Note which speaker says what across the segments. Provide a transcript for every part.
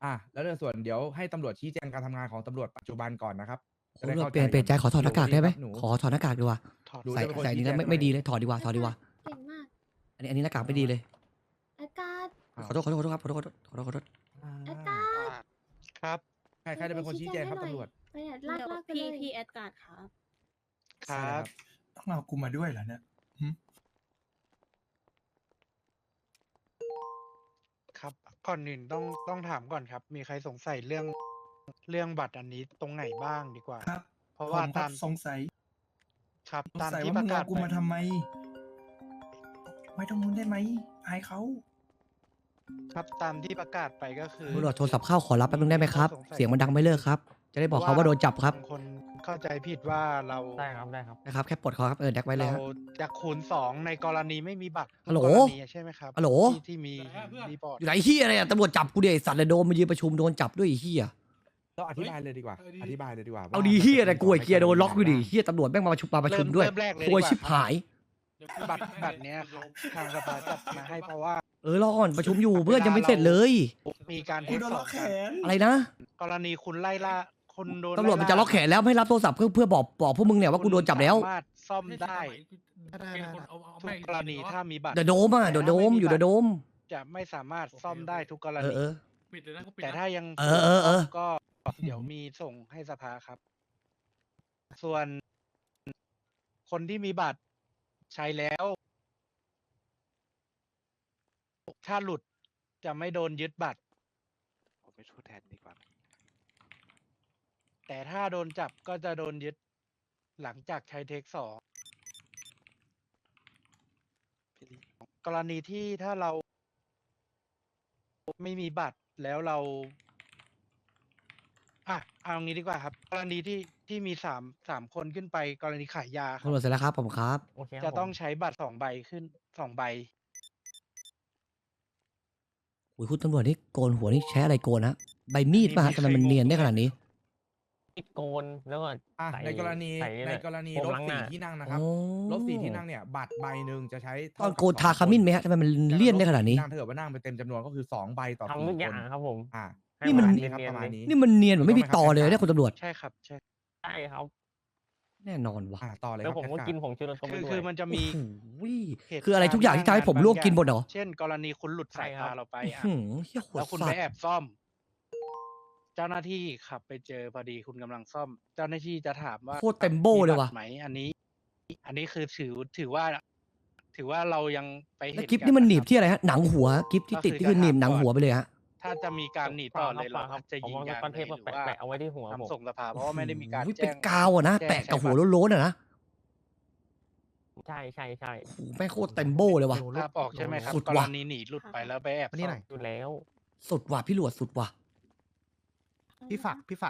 Speaker 1: แล้วในส่วนเดี๋ยวให้ตำรวจชี้แจงการทำงานของตำรวจปัจจุบันก่อนนะครับจะได้
Speaker 2: ตำรวจ
Speaker 1: เข้า
Speaker 2: เปลี่ยนใจขอถอดหน้ากากได้ไหม
Speaker 1: หนู
Speaker 2: ขอถอดหน้ากากดีกว่า
Speaker 1: หนู
Speaker 2: ใส่
Speaker 1: จะเป็นคน
Speaker 2: ใส่อันนี้แล้ว
Speaker 1: ชี้แจง
Speaker 2: ไม่ดีเลยถอดดีกว่าถอดดีกว่า
Speaker 3: เก่งมาก
Speaker 2: อันนี้หน้ากากไม่ดีเลย
Speaker 3: อากาศ
Speaker 2: ขอโทษครับขอโทษ
Speaker 3: อากาศ
Speaker 4: ครับ
Speaker 1: ใครจะเป็นคนชี้แจงครับตำรวจ
Speaker 3: ไปเนี่ยลากไปเลย
Speaker 5: พี่แอดการ์ดครับ
Speaker 4: ครับ
Speaker 6: ต้องเอากูมาด้วยเหรอเนี่ย
Speaker 4: ครับก่อนอื่นต้องถามก่อนครับ มีใครสงสัยเรื่องบัตรอันนี้ตรงไหนบ้างดีกว่า
Speaker 6: ครับ
Speaker 4: เพราะว่า
Speaker 6: ผมก็
Speaker 4: ตาม
Speaker 6: สงสัย
Speaker 4: ครับ
Speaker 6: สง
Speaker 4: ตาม
Speaker 6: สัย
Speaker 4: ที่
Speaker 6: ว่า
Speaker 4: ป
Speaker 6: มึ
Speaker 4: ระ
Speaker 6: ง
Speaker 4: กาศ
Speaker 6: เอากูมาทำไม ไม่ต้องมึงได้ไหมอายเขา
Speaker 4: ครับตามที่ประกาศไปก็คือ
Speaker 2: ตำรวจโทรศัพท์เข้าขอรับแป๊บนึงได้ไหมครับ
Speaker 4: สงสัย
Speaker 2: เสียงมันดังไม่เลิกครับ จะได้บอกเขาว่าโดนจับครับ
Speaker 4: างคนเข้าใจผิดว่าเรา
Speaker 5: ได้ครับได้ครับ
Speaker 2: นะครับแค่ปลดคอครับแดกไว้เลย
Speaker 4: เรา
Speaker 2: ครับ
Speaker 4: จะคูณ2ในกรณีไม่มีบัตร
Speaker 2: ฮัลโหล
Speaker 4: กรณีใช่ไหมครับ
Speaker 2: ฮัลโหล
Speaker 4: ที่มีรีพอร์ต
Speaker 2: อยู่ไหนเฮียอะไรอ่ะตำรวจจับกูเดี๋ยวไอ้สัตว์เลยโดนมายืนประชุมโดนจับด้วยไอ้เฮีย
Speaker 1: เราอธิบายเลยดีกว่า อธิบายเลยดีกว่า
Speaker 2: เอาดีเฮียอะไรกูไอ้เกียร์โดนล็อกอยู่ดิเฮียตำรวจแม่งมาประชุมด้วย
Speaker 4: เริ่มแรกเลย
Speaker 2: โวย
Speaker 4: ดีกว่า
Speaker 2: ชิบหาย
Speaker 4: บัตรเนี้ยครับทางสภาจัดมาให้เพราะว่า
Speaker 2: รอก่อนประชุมอยู่เพื่อนยังไม่เสร็จเลย
Speaker 4: มีการเท
Speaker 6: กู
Speaker 4: ค
Speaker 6: โดน
Speaker 4: ส
Speaker 6: ล็
Speaker 4: อ
Speaker 6: อง กแข
Speaker 4: กัน
Speaker 6: น
Speaker 2: อะไรนะ
Speaker 4: กรณีคุณไล่ล่าคนโดน
Speaker 2: ตำรวจมันจะล็อกแขนแล้วไม่รับโทรศัพท์เพื่อบอกพวกมึงเนี่ยว่ากูโดนจับแล้ว
Speaker 4: สามารถซ่อมได้ทุกกรณีถ้ามีบัตร
Speaker 2: เดอะโดมอ่ะเดอะโดมอยู่เดอะโดม
Speaker 4: จะไม่สามารถซ่อมได้ทุกกร
Speaker 2: เอ
Speaker 4: ณี
Speaker 2: อ
Speaker 7: ปิดเลยนะก็ปิด
Speaker 4: แต่ถ้ายัง
Speaker 2: เออ
Speaker 4: ก็เดี๋ยวมีส่งให้สภาครับ ส่วนคนที่มีบัตรใช้แล้ว ถ้าหลุดจะไม่โดนยึดบัตร
Speaker 8: ผมไปช่วยแทนดีกว่า
Speaker 4: แต่ถ้าโดนจับก็จะโดนยึดหลังจากใช้เทคสองกรณีที่ถ้าเราไม่มีบัตรแล้วเราเอางี้ดีกว่าครับ กรณีที่มีสามคนขึ้นไปกรณีขายยาครั
Speaker 2: ตำรวจเสร็จแล้วครับผมครับ
Speaker 5: โอเค
Speaker 4: จะต้องใช้บัตร2 ใบขึ้น2 ใบ
Speaker 2: อุ้ยคุณตำรวจนี่โกนหัวนี่ใช้อะไรโกนนะใบมีดป่ะฮะทำไมมันเนียนได้ขนาดนี้
Speaker 5: ปิดโกนแล้วก็
Speaker 1: ในกรณี
Speaker 5: ใส่
Speaker 1: ในกรณี
Speaker 5: โฟ
Speaker 1: ร
Speaker 5: ม
Speaker 1: ถ
Speaker 5: ล้างหน้า
Speaker 1: 4 ที่นั่งนะครับ
Speaker 2: โอ้
Speaker 1: รถ4 ที่นั่งเนี่ยบัตรใบหนึ่งจะใช้
Speaker 2: ต
Speaker 1: เท่า
Speaker 2: อน
Speaker 1: กับ
Speaker 2: โกนทาขมิ้นไหมฮะทำไมมันเลี่ยนได้ขนาดนี้
Speaker 1: นั่งถ้าเกิดว่านั่งไปเต็มจำนวนก็คือ2 ใบต่อ
Speaker 5: ทำทุก
Speaker 1: 4
Speaker 5: อย่าง
Speaker 1: คน
Speaker 5: ครับผม
Speaker 1: ให้
Speaker 2: นี่มัน
Speaker 1: ประาณครับประมาณนี้
Speaker 2: นี่มันเนียนเหมือนไม่มีต่อเลยเนี่ยคุณตำรวจ
Speaker 4: ใช่ครับใช่
Speaker 5: ใช่ครับ
Speaker 2: แน่นอนว่ะ
Speaker 1: ต่อเลยค
Speaker 5: แล้
Speaker 1: รั
Speaker 5: ว
Speaker 1: บ
Speaker 5: ผมก็
Speaker 1: แคท
Speaker 5: กินผงชูรสเข้าไป
Speaker 4: คือ
Speaker 5: ด้วย
Speaker 4: คือมันจะมี
Speaker 2: โอ้โห
Speaker 4: เหตุ
Speaker 2: คืออะไรทุกอย่างที่ทำให้ผมลวกกินหมดเหรอ
Speaker 4: เช่น กรณีคุณหลุดสาย
Speaker 5: ใช่ครั
Speaker 4: ตา
Speaker 5: บ
Speaker 4: เราไปอ่ะ
Speaker 2: เฮียโหด
Speaker 4: แล้วคุณ
Speaker 2: สั
Speaker 4: ไป
Speaker 2: ตว์
Speaker 4: แอบซ่อม เจ้าหน้าที่ขับไปเจอพอดีคุณกำลังซ่อม เจ้าหน้าที่จะถามว่า
Speaker 2: โคตรเต็มโบ้เลยว่ะ
Speaker 4: มีบัตรไหมอันนี้คือถือว่าเรายังไปเห็
Speaker 2: แล้ว
Speaker 4: น
Speaker 2: กิฟ
Speaker 4: กั
Speaker 2: นี่มันหนีบ
Speaker 4: ะครับ
Speaker 2: ที่อะไรฮะหนังหัวกิฟที่ติดที่คือหนีบหนังหัวไปเลยฮะ
Speaker 4: ถ้าจะมีการหนีต่อเลยเรา
Speaker 5: ครับ
Speaker 4: จะ
Speaker 5: ผม
Speaker 4: ยิง
Speaker 5: เอา
Speaker 4: ยาง
Speaker 5: ก้อน
Speaker 4: เล
Speaker 5: เท
Speaker 4: ย
Speaker 5: ป
Speaker 4: ห
Speaker 5: มา
Speaker 4: รือว่า
Speaker 5: แปะเอาไว้ที่หัวผม
Speaker 4: ทำส่งสภาเพราะว่าไม่ได้มีการ
Speaker 2: อุ้ย
Speaker 4: แจ้
Speaker 2: เป็น
Speaker 4: ง
Speaker 2: กาวอะนะ
Speaker 4: แจ้ง
Speaker 2: แปะกับหัว
Speaker 4: ใช้บัตร
Speaker 2: โล้นๆอะนะ
Speaker 5: ใช่ใช่ใช่
Speaker 2: โอ้โหแม่งโคตรเต็มโบ้เลยว่ะ
Speaker 4: ภาพออกใช่ไหมครับ
Speaker 2: สุด
Speaker 4: ก
Speaker 2: ว่ะ
Speaker 4: รณีหนีหลุดไปแล้วไปแอบซ่อม
Speaker 5: อยู่แล้ว
Speaker 2: สุดว่ะพี่หลวดสุดว่ะ
Speaker 7: พี่ฝาก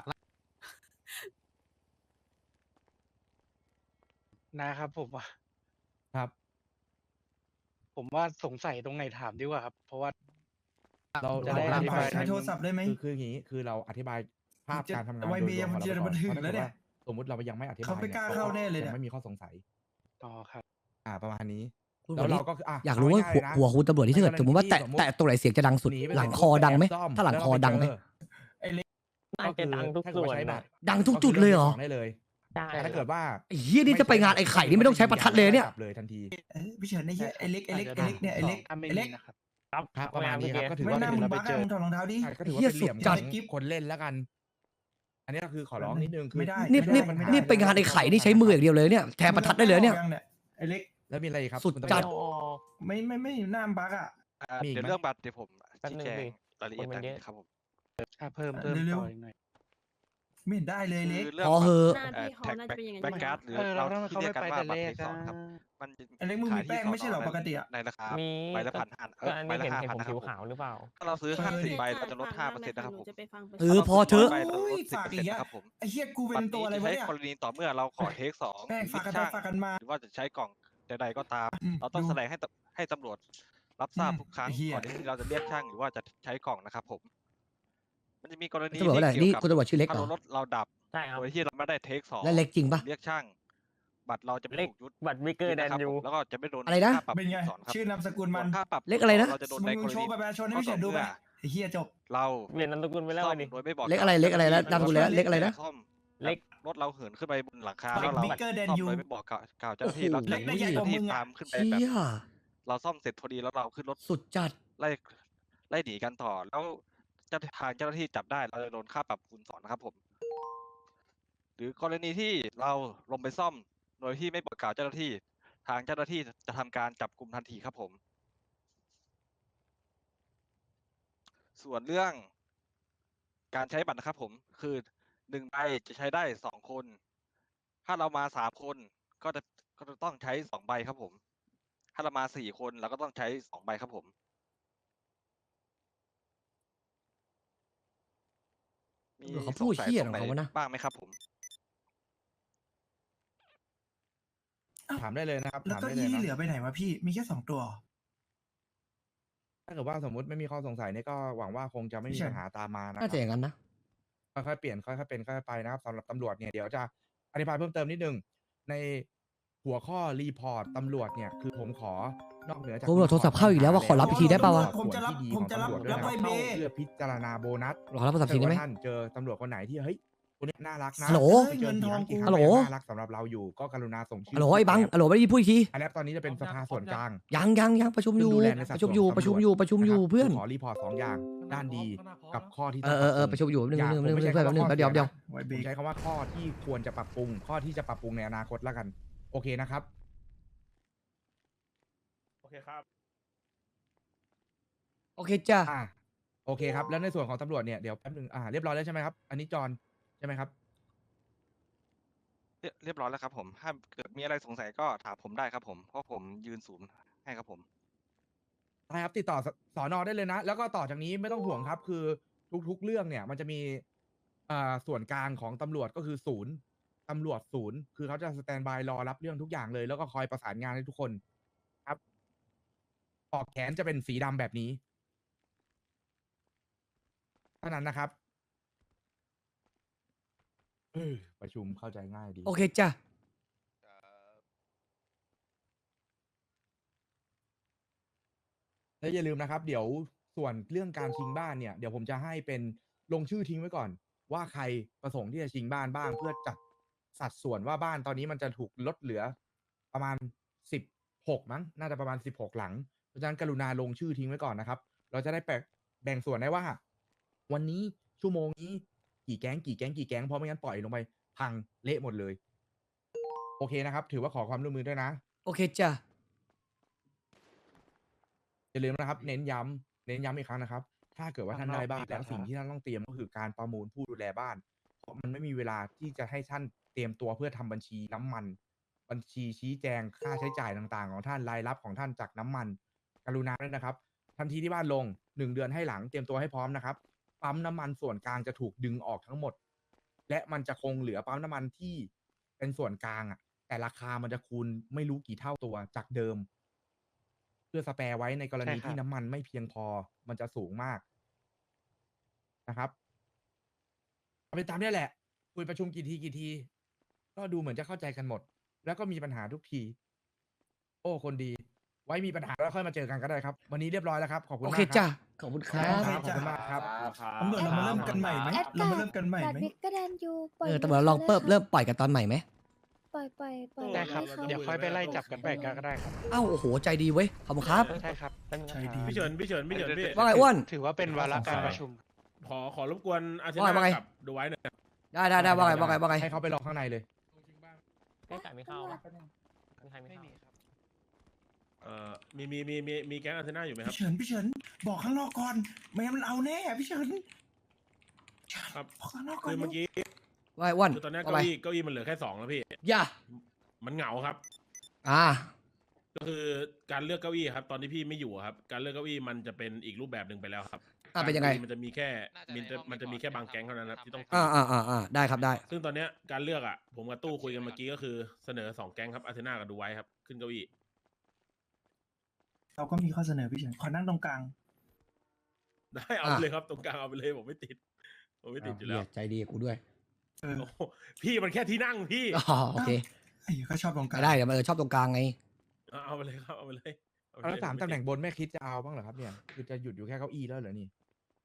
Speaker 4: นะครับผมว่า
Speaker 1: ครับ
Speaker 4: ผมว่าสงสัยตรงไหนถามดีกว่าครับ เพราะว่า
Speaker 1: เรา
Speaker 4: จะได้
Speaker 1: เรา
Speaker 4: อธิบาย
Speaker 6: ใช้โทรศัพท์ได้ไหม
Speaker 1: คืออย่างนี้คือเราอธิบายภาพการทำงาน
Speaker 6: ไว
Speaker 1: โด
Speaker 6: เบี
Speaker 1: ย
Speaker 6: ย
Speaker 1: รวม
Speaker 6: มัน
Speaker 1: ของเรา
Speaker 6: จะบันทึก
Speaker 1: ก่อน
Speaker 6: แล้วเนี่ย
Speaker 1: สมมติเรายังไม่อธิบาย
Speaker 6: เขาไม่กล้าเข้าแน่เลยเนี่ย
Speaker 1: ยังไม่มีข้อสงสัย
Speaker 4: ต่อครับ
Speaker 1: ประมาณนี้
Speaker 2: คุณ
Speaker 1: แล้ว
Speaker 2: วันนี้
Speaker 1: เราก็คือ
Speaker 2: อยากรู้ว่า
Speaker 1: เง่ยๆนะ
Speaker 2: หัวคุณตำรวจที่ถ้าเกิดสมมติว่าแตะตรงไหนเสียงจะดังสุด
Speaker 1: นีไป
Speaker 2: หลัง
Speaker 1: เสร็จ
Speaker 2: คอดังไหม
Speaker 1: ปุ๊บปแอบซ่อ
Speaker 2: ถ้าหลังคอดังไหม
Speaker 5: น่าจะดังทุกส่วน
Speaker 1: ถ้าเกิดว่าใช้บั
Speaker 5: นะ
Speaker 1: ตร
Speaker 2: ดังทุกจุดเลยเหรอ
Speaker 1: ได้เลย
Speaker 5: ใช่
Speaker 1: แต่ถ้าเกิดว่า
Speaker 2: ไอ้เฮียนี่จะไปงานไอ้ไข่นี่ไม่ต้องใช้ประทัดเลยเนี่ย
Speaker 1: จับเลยทันที
Speaker 6: พี่เฉินไอ้เหี้ยไอ้เล็กเนี่ยไอ้เล็ก
Speaker 4: ถ้าไม่
Speaker 6: ไอ้
Speaker 4: มี
Speaker 6: เล็ก
Speaker 4: นะครับ
Speaker 5: ครับ
Speaker 1: ครับประมาณนี้ครับก็ถือ
Speaker 6: ไม่
Speaker 1: ว่า
Speaker 6: น่า
Speaker 1: เป็น
Speaker 6: มึง
Speaker 1: เราไป
Speaker 6: บ้า
Speaker 1: เจอ
Speaker 6: มึงถอดรองเท้าดิ
Speaker 1: ก็ถือว่า
Speaker 2: เหี้ย
Speaker 1: เป็นเหลี่ยม
Speaker 2: สุดจั
Speaker 1: ข
Speaker 2: ด
Speaker 1: องคนเล่นแล้วกัน อันนี้ก็คือขอร้องนิดนึงคือ
Speaker 6: ไม่ได้
Speaker 2: นี่
Speaker 6: ไม่ได้
Speaker 2: นี่ไปงานไอ้ไข่นี่ใช้มืออย่างเดียวเลยเนี่ยแทนประทัดได้เลยเนี่ย
Speaker 6: ไอ้เล็ก
Speaker 1: แล้วมีอะไรอีกครับ
Speaker 2: สุด
Speaker 1: คุณตำรวจ
Speaker 2: จัด
Speaker 6: ไม่หน้าบักอ่ะ
Speaker 1: มีอีกไหม
Speaker 8: เดี๋ยวเรื่องบัตรเดี๋ยวผม
Speaker 5: แป๊บ
Speaker 8: ชี้
Speaker 5: นึง
Speaker 8: แจง
Speaker 5: ดิ
Speaker 8: รายละเอียด
Speaker 5: คนมัน
Speaker 8: ได้
Speaker 5: เยอะ
Speaker 8: ครับผม
Speaker 4: เพิ่ม
Speaker 6: เร็วๆ
Speaker 4: ต่ออีกหน่อย
Speaker 6: ไม่เห็นได้เลยเล็ก
Speaker 8: คือเรื่อง
Speaker 2: พอเหอะ
Speaker 5: หน้าพี่เขาน่าจะเป็นอย่างนั้น
Speaker 8: แบ็กการ์ดหรือ
Speaker 4: เรา
Speaker 8: เรา
Speaker 4: ทำไม
Speaker 8: ที่
Speaker 4: เขา
Speaker 8: เรี
Speaker 4: ไม่
Speaker 8: ยกกัน
Speaker 4: ไป
Speaker 8: ว่า
Speaker 4: แต่
Speaker 8: บัต
Speaker 4: แร
Speaker 8: ร
Speaker 4: ก
Speaker 8: เทคสองครับ มันจะ
Speaker 6: ไอ้เล็กมึงมี
Speaker 8: ขาย
Speaker 6: แป้งไม่ใช่เหรอ
Speaker 8: ที่
Speaker 6: ปกติอะ
Speaker 8: ในราคา
Speaker 5: มี
Speaker 8: ใบละพันห้า
Speaker 5: ก็อัน
Speaker 8: ใบ
Speaker 5: นี้
Speaker 8: ละ
Speaker 5: เห็น
Speaker 8: 5,000
Speaker 5: ผม
Speaker 8: นะครับผม
Speaker 5: ผิวขาวหรือเปล่า
Speaker 8: ถ้าเราซื้อ
Speaker 6: เออ
Speaker 8: 50 ใบเราจะลด 5%นะครับผม
Speaker 5: จะไปฟัง
Speaker 2: พอเถอะ
Speaker 8: ใบเราลด
Speaker 6: โอ้ยฝากอีก
Speaker 8: 10%
Speaker 6: อะ
Speaker 8: นะครับผม
Speaker 6: ไอ้เหี้ยกูเป็นตัวอะไร
Speaker 8: บั
Speaker 6: วะ
Speaker 8: ต
Speaker 6: เนี่ย
Speaker 8: ใช้กรณีต่อเมื่อเราขอเทคสอง
Speaker 6: แป้งฝากกัน
Speaker 8: ช่าง
Speaker 6: ฝากกันมา
Speaker 8: หรือว่าจะใช้กล่องใดๆก็ตาม
Speaker 6: อืม
Speaker 8: เราต้อง
Speaker 6: ดู
Speaker 8: แสดงให้ตำรวจรับทราบ
Speaker 6: อืม
Speaker 8: ทุกครั้ง
Speaker 6: ไอ้เหี้ย
Speaker 8: ก่อนที่เราจะเรียกช่างหรือว่าจะใช้กล่องนะครับผม มันจะมีกรณี
Speaker 2: ตำรวจว่าอะไร
Speaker 8: ที่
Speaker 2: นี่
Speaker 8: เกี่ยวกับ
Speaker 2: คุณตำรวจชื่อเล็กเหร
Speaker 8: ถ้า
Speaker 2: อ
Speaker 8: รถเราดับ
Speaker 5: ใช่ครับ
Speaker 8: โดยที่เราไม่ได้เทคสอง
Speaker 2: และเล็กจริงปะ
Speaker 8: เรียกช่าง บัตรเราจะไม่
Speaker 5: เล็ก
Speaker 8: ถูกยึด
Speaker 5: บัตรวิกเกอร์แดน
Speaker 8: นะครับ
Speaker 5: ยู
Speaker 8: ผมแล้วก็จะไม่โดน
Speaker 2: อะไรนะ
Speaker 8: ค่าปรับ
Speaker 6: เป็นไง
Speaker 8: สอนครับ
Speaker 6: ชื่อนามสกุลมัน
Speaker 8: ส่วนค่าปรับ
Speaker 2: เลขอะไรนะ
Speaker 8: เราจะโดน
Speaker 6: มึ
Speaker 8: ใน
Speaker 6: ง
Speaker 8: กร
Speaker 6: โช
Speaker 8: ณี
Speaker 6: ว์บัตรประชาชนให้พี่เฉินดูไปไอ้เฮียจบ
Speaker 8: เรา
Speaker 5: เปลี่ยนนามสกุลไปแล้ว
Speaker 8: ซ่อ
Speaker 5: วั
Speaker 8: ม
Speaker 5: นนี้
Speaker 8: โดยไม่บอก
Speaker 2: เล็กอะไรเล็กอะไรแล้วนามสกุลแล้วเล็กอะไรนะ
Speaker 8: ซ่อม
Speaker 5: เล็ก
Speaker 8: รถเราเหินขึ้นไปบนหลังคา
Speaker 6: เล็
Speaker 8: แล้
Speaker 6: ก
Speaker 8: วเรา
Speaker 6: bigger than
Speaker 8: ซ่อม
Speaker 6: you
Speaker 8: โดยไม่บอกกล่าวเจ้าหน้าที่
Speaker 2: โอ้
Speaker 8: แล้ว
Speaker 2: โห
Speaker 6: เล็กได้ใหญ่กว่ามึงอะ
Speaker 8: ตามขึ้นไป
Speaker 2: เชี่
Speaker 8: แบบ
Speaker 2: ย
Speaker 8: เราซ่อมเสร็จพอดีแล้วเราขึ้นรถ
Speaker 2: สุดจัด
Speaker 8: ไล่หนีกันต่อแล้วทางเจ้าหน้าที่จับได้เราจะโดนค่าปรับคูณ2นะครับผม หรือกรณีที่เราลงไปซ่อมโดยที่ไม่บอกกล่าวเจ้าหน้าที่ ทางเจ้าหน้าที่จะทำการจับกลุ่มทันทีครับผม ส่วนเรื่องการใช้บัตรนะครับผมคือ1 ใบจะใช้ได้2 คน ถ้าเรามา3 คนก็จะต้องใช้2 ใบครับผม ถ้าเรามา4 คนเราก็ต้องใช้2 ใบครับผม มี
Speaker 2: เขาพูด
Speaker 8: สงสัย
Speaker 2: เหี้ย
Speaker 8: ตรงไหน
Speaker 2: ของเขาวะนะ
Speaker 8: บ้างไหมครับผม
Speaker 1: ถามได้เลยนะครับ
Speaker 6: แล้ว
Speaker 1: ถาม
Speaker 6: ก็
Speaker 1: ได้เล
Speaker 6: อี้
Speaker 1: ย
Speaker 6: ที่เหลือ
Speaker 1: นะ
Speaker 6: ไปไหนวะพี่มีแค่2 ตัว
Speaker 1: ถ้าเกิดว่าสมมติไม่มีข้อสงสัยเนี่ยก็หวังว่าคงจะไม่มี
Speaker 6: ใช่
Speaker 1: ปัญหาตามมานะค
Speaker 2: น่า
Speaker 1: รับ
Speaker 2: จะอย่างนั้นนะ
Speaker 1: ค่อยๆเปลี่ยนค่อยๆเป็นค่อยๆไปนะครับสำหรับตำรวจเนี่ยเดี๋ยวจะอธิบายเพิ่มเติมนิดนึงในหัวข้อรีพอร์ตตำรวจเนี่ยคือผมขอนอกเหนือจาก
Speaker 2: ตำรวจโทรศัพท์เข้าอีกแล้วว่าขอรับอีกทีได้ป่าวะ
Speaker 6: ผมจะรับ
Speaker 1: ส่วนที่ดี
Speaker 6: ผมจะรับ
Speaker 1: ของตำวจด้วย
Speaker 6: รับใบเบ
Speaker 1: เพื่อพิจารณาโบนัส
Speaker 2: รอรับโทรศัพท์ทีได้ไหม
Speaker 1: ถ้าเกิดว่าท่านเจอตำรวจคนไหนที่เฮ้ยคนนี้น่ารักนะ
Speaker 2: ฮัลโหล
Speaker 1: ไปเจอกี่ครั้งกี่ครั้ง
Speaker 2: ฮัลโหล
Speaker 1: ก็ยังน่ารักสำหรับเราอยู่ก็กรุณาส่งชื่
Speaker 2: ฮัลโหลไอ้บังฮัลโหลไม่ได้พูดอีกที
Speaker 1: อันนี้ตอนนี้จะเป็นสภาส่วนกลาง
Speaker 2: ยังประชุมอยู่
Speaker 1: ซึ่งดูแลในสั
Speaker 2: ป
Speaker 1: ด
Speaker 2: ระชุม
Speaker 1: ส่วน
Speaker 2: อยู่
Speaker 1: ของ
Speaker 2: ประชุม
Speaker 1: ตำรวจ
Speaker 2: อยู่ประชุมอยู่
Speaker 1: นะครับ
Speaker 2: เพื่อน
Speaker 1: ขอรีพอร์ต2 อย่างด้านดีกับข้อที่
Speaker 2: เอ
Speaker 1: ต้อง
Speaker 2: อ
Speaker 1: ปรับปรุง
Speaker 2: ประชุมอยู่นึง
Speaker 1: อย่า
Speaker 2: นึง
Speaker 1: ผม
Speaker 2: นึง
Speaker 1: ไม่ใช่
Speaker 2: เพื่อน
Speaker 1: คำว่า
Speaker 2: นึง
Speaker 1: ข้อ
Speaker 2: เดี๋ยว
Speaker 1: เสียนะ
Speaker 6: ไว้
Speaker 1: ผ
Speaker 6: เบร
Speaker 1: ม
Speaker 6: ก
Speaker 1: ใช้คำว่าข้อที่ควรจะปรับปรุง ข้อที่จะปรับปรุงในอนาคตแล้วกัน โอเคนะครับ
Speaker 5: โอเคครับ
Speaker 2: โอเคจ้า
Speaker 1: โอเคครับ แล้วในส่วนของตำรวจเนี่ยเดี๋ยวแป๊บนึงเรียบร้อยแล้วใช่ไหมครับ อันนี้จอนใช่ไหมครับ
Speaker 8: เรียบร้อยแล้วครับผม ถ้าเกิดมีอะไรสงสัยก็ถามผมได้ครับผม เพราะผมยืนศูนย์ให้ครับผม
Speaker 1: ได้ครับติดต่อสอนอได้เลยนะ แล้วก็ต่อจากนี้ไม่ต้องห่วงครับ คือทุกๆเรื่องเนี่ยมันจะมีส่วนกลางของตำรวจก็คือศูนย์ตำรวจศูนย์คือเขาจะสแตนบายรอรับเรื่องทุกอย่างเลย แล้วก็คอยประสานงานให้ทุกคนครับปลอกแขนจะเป็นสีดำแบบนี้เท่านั้นนะครับประชุมเข้าใจง่ายดี
Speaker 2: โอเคจ้า
Speaker 1: แล้วอย่าลืมนะครับ เดี๋ยวส่วนเรื่องการชิงบ้านเนี่ยเดี๋ยวผมจะให้เป็นลงชื่อทิ้งไว้ก่อน ว่าใครประสงค์ที่จะชิงบ้านบ้าง เพื่อจัดสัดส่วนว่าบ้านตอนนี้มันจะถูกลดเหลือประมาณ16มั้งน่าจะประมาณ16หลังเพราะฉะนั้นกรุณาลงชื่อทิ้งไว้ก่อนนะครับ เราจะได้แบ่งส่วนได้ว่า วันนี้ชั่วโมงนี้กี่แก๊งเพราะไม่งั้นปล่อยลงไปพังเละหมดเลย โอเคนะครับ ถือว่าขอความร่วมมือด้วยนะ
Speaker 2: โอเคจ้า
Speaker 1: อย่าลืมนะครับเน้นย้ำอีกครั้งนะครับ ถ้าเกิดว่าท่านได้บ้านแล้วสิ่งที่ท่านต้องเตรียมก็คือการประมูลผู้ดูแลบ้าน เพราะมันไม่มีเวลาที่จะให้ท่านเตรียมตัวเพื่อทำบัญชีน้ำมัน บัญชีชี้แจงค่าใช้จ่ายต่างๆ ของท่านรายรับของท่านจากน้ำมัน กรุณาด้วยนะครับ ทันทีที่บ้านลง1 เดือนให้หลังเตรียมตัวให้พร้อมนะครับปั๊มน้ำมันส่วนกลางจะถูกดึงออกทั้งหมด และมันจะคงเหลือปั๊มน้ำมันที่เป็นส่วนกลางแต่ราคามันจะคูณไม่รู้กี่เท่าตัวจากเดิม เพื่อสแปร์ไว้ในกรณี
Speaker 4: ใช่ครับ
Speaker 1: ที่น้ำมันไม่เพียงพอ มันจะสูงมากนะครับเอาไปตามนี้แหละ คุยประชุมกี่ที ก็ดูเหมือนจะเข้าใจกันหมด แล้วก็มีปัญหาทุกที โอ้คนดี ไว้มีปัญหาแล้วค่อยมาเจอกันก็ได้ครับ วันนี้เรียบร้อยแล้วครับ ขอบคุณ
Speaker 2: โอ
Speaker 1: มาก
Speaker 2: เค
Speaker 1: ครับ
Speaker 2: จ้าขอบคุณครั
Speaker 1: ครับ บขอบคุณมากครับ
Speaker 6: ตำรวจเรามาเริ่มกันใหม่ไหม
Speaker 3: แอด
Speaker 6: เรามาเริ่มกันใหม่
Speaker 3: บัต
Speaker 6: ไหม
Speaker 3: รบิ๊กกระแดนยูปล่อย
Speaker 2: ตำรวจลองเริ่มปล่อยกันตอนใหม่ไหม
Speaker 3: ปล่อย
Speaker 4: ได้ครับ
Speaker 3: ให้ขา
Speaker 4: เดี๋ยวค่อยไปไล่จับกันไปกันก็ได้ครับ
Speaker 2: อ้าวโอ้โหใจดีเว้ยขอบคุณครับ
Speaker 4: ใช่ครับ
Speaker 6: ใช่ดี
Speaker 7: พี่เฉินพี่
Speaker 2: ว่าไงอ้วน
Speaker 4: ถือว่าเป็นวาระการประชุม
Speaker 7: ขอรบกวนอาเท
Speaker 2: ว่าไง
Speaker 7: นากับดูไว้หน่อย
Speaker 2: ได้ว่าไง
Speaker 1: ให้เขาไปรอข้างในเลย
Speaker 5: ไม่จ่ายไม่เข้าปะมีใครไม่
Speaker 4: ไม่
Speaker 5: เข้า
Speaker 4: มีครับ
Speaker 7: มีแก๊งอาเทนาอยู่ไหมครับ
Speaker 6: พี่เฉินบอกข้างนอกก่อนไม่งั้นมันเอาแน่พี่เฉิน
Speaker 7: ครับ
Speaker 6: บอกข้างนอกก่อ
Speaker 7: คื
Speaker 6: น
Speaker 7: อเมื่อกี้
Speaker 2: ว่าไงอ้วน
Speaker 7: คือตอนเนี้ย
Speaker 2: ว่าไง
Speaker 7: เก้าอี้มันเหลือแค่2แล้วพี่
Speaker 2: อย่า
Speaker 7: มันเหงาครับ ก็คือการเลือกเก้าอี้ครับ ตอนที่พี่ไม่อยู่ครับ การเลือกเก้าอี้มันจะเป็นอีกรูปแบบหนึ่งไปแล้วครับ
Speaker 2: เป็นยังไง
Speaker 7: มันจะมีแค่มันจะมีแค่บางแก๊งเท่านั้นครับที่ต้อง
Speaker 2: ได้ครับได้
Speaker 7: ซึ่งตอนเนี้ยการเลือกผมกับตู้คุยกันเมื่อกี้ก็คือเสนอ2แก๊งครับอาเทนากับดูไว้ครับขึ้นเก้าอี้
Speaker 6: เราก็มีข้อเสนอพี่เฉินขอนั่งตรงกลาง
Speaker 7: ได้เอาไปเลยครับตรงกลางเอาไปเลยผมไม่ติดอยู่แล้ว
Speaker 2: ใจดีกับกูด้วย
Speaker 6: เออ
Speaker 7: โอ้โหพี่มันแค่ที่นั่งพี่
Speaker 2: อ๋อโอเค
Speaker 6: ไอ้ก็ชอบตรงกลาง
Speaker 2: ได้เดี๋ยวชอบตรงกลางไง
Speaker 7: เอาไปเลยครับเอาไปเลย
Speaker 1: แล้ว3 ตำแหน่งบนแม่คิดจะเอาบ้างเหรอครับเนี่ย คือจะหยุดอยู่แค่เก้าอี้แล้วเหรอนี่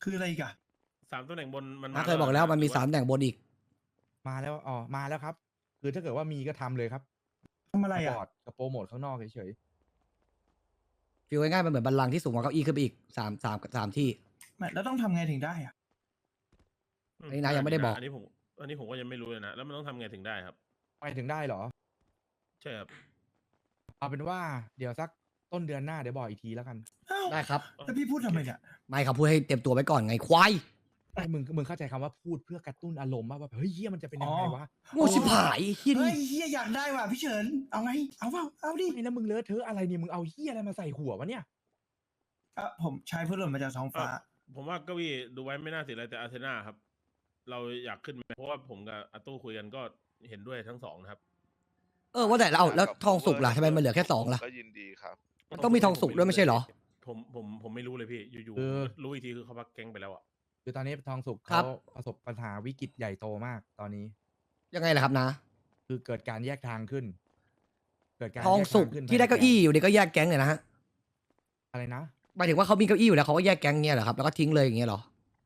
Speaker 6: คืออะไรอีกอะ
Speaker 7: 3ตำแหน่งบนมัน
Speaker 2: เคยบอกแล้วมันมี3แต่งบนอีก
Speaker 1: มาแล้วมาแล้วครับ คือถ้าเกิดว่ามีก็ทำเลยครับ
Speaker 6: ทำอะไร
Speaker 1: บ
Speaker 6: อะ
Speaker 1: อร์ดกับโปรโมทข้างนอกเฉย
Speaker 2: ฟีลง่ายๆมันเหมือนบัลลังก์ที่สูงกว่าเก้าอี้ขึ้นไปอีกสามที่
Speaker 6: ไม่แล้วต้องทำไงถึงได้อะ
Speaker 2: อันนี้นายยังไม่ได้บอก
Speaker 7: อันนี้ผมก็ยังไม่รู้เลยนะ แล้วมันต้องทำไงถึงได้ครับ
Speaker 1: ๆไปถึงได้เหรอ
Speaker 7: ใช่ครับ
Speaker 1: เอาเป็นว่าเดี๋ยวสักต้นเดือนหน้าเดี๋ยวบอกอีกทีแล้วกัน
Speaker 6: อ้าว
Speaker 2: ได้ครับ
Speaker 6: แล้วพี่พูดทำไมเนี่ย
Speaker 2: ไม่ครับพูดให้เตรียมตัวไว้ก่อนไงควาย
Speaker 1: ไอ้มึงเข้าใจคำว่าพูดเพื่อกระตุ้นอารมณ์ว่าแบบเฮ้ยเฮียมันจะเป็นยังไงวะ
Speaker 2: โง่ชิบหายไอ้เฮีย
Speaker 6: เฮ้
Speaker 2: นี่
Speaker 6: ยเฮียอยากได้ว่ะพี่เฉินเอาไงเอาเปล่าเอาดิ
Speaker 1: ไอ้แล้วมึงเลอะเทอะอะไรเนี่ยมึงเอาเฮียอะไรมาใส่หัววะเนี่ย
Speaker 6: ผมใช้เพื่อหล่นมาจากท้องฟ้า
Speaker 7: ผมว่าเก้าอี้ดูไว้ไม่น่าเสียอะไรแต่อาร์เซนาครับ เราอยากขึ้นไหมเพราะว่าผมกับอาตู้คุยกันก็เห็นด้วยทั้งสองนะครับ
Speaker 2: ว่าแต่เราแล้วทองสุกล่ะทำไมมันเหลือแค่2ล่ะ
Speaker 9: ก็ยินดีครับ
Speaker 2: มันต้องมีทองสุกด้วยไม่ใช่เหรอ
Speaker 7: ผมไม่รู้เลยพี่ อยู่
Speaker 1: เออ
Speaker 7: ๆรู้อีกทีคือเขาพักแก๊งไปแล้วอ่ะ
Speaker 1: คือตอนนี้ทองสุก
Speaker 2: ครั
Speaker 1: เขา
Speaker 2: บ
Speaker 1: ประสบปัญหาวิกฤตใหญ่โตมากตอนนี้
Speaker 2: ยังไงล่ะครับนะ
Speaker 1: คือเกิดการแยกทางขึ้น เกิดการ
Speaker 2: ทองสุก
Speaker 1: แยทาขึ้น
Speaker 2: ที่ได้เก้าอี้อยู่เนี่ยก็แยกแก๊งเลยนะฮะ
Speaker 1: อะไรนะ
Speaker 2: หมายถึงว่าเขามีเก้าอี้อยู่แล้วเขาก็แยกแก๊งเงี้ยเหรอครับแล้วก็ทิ้งเลยอย่างเงี้ยเหรอ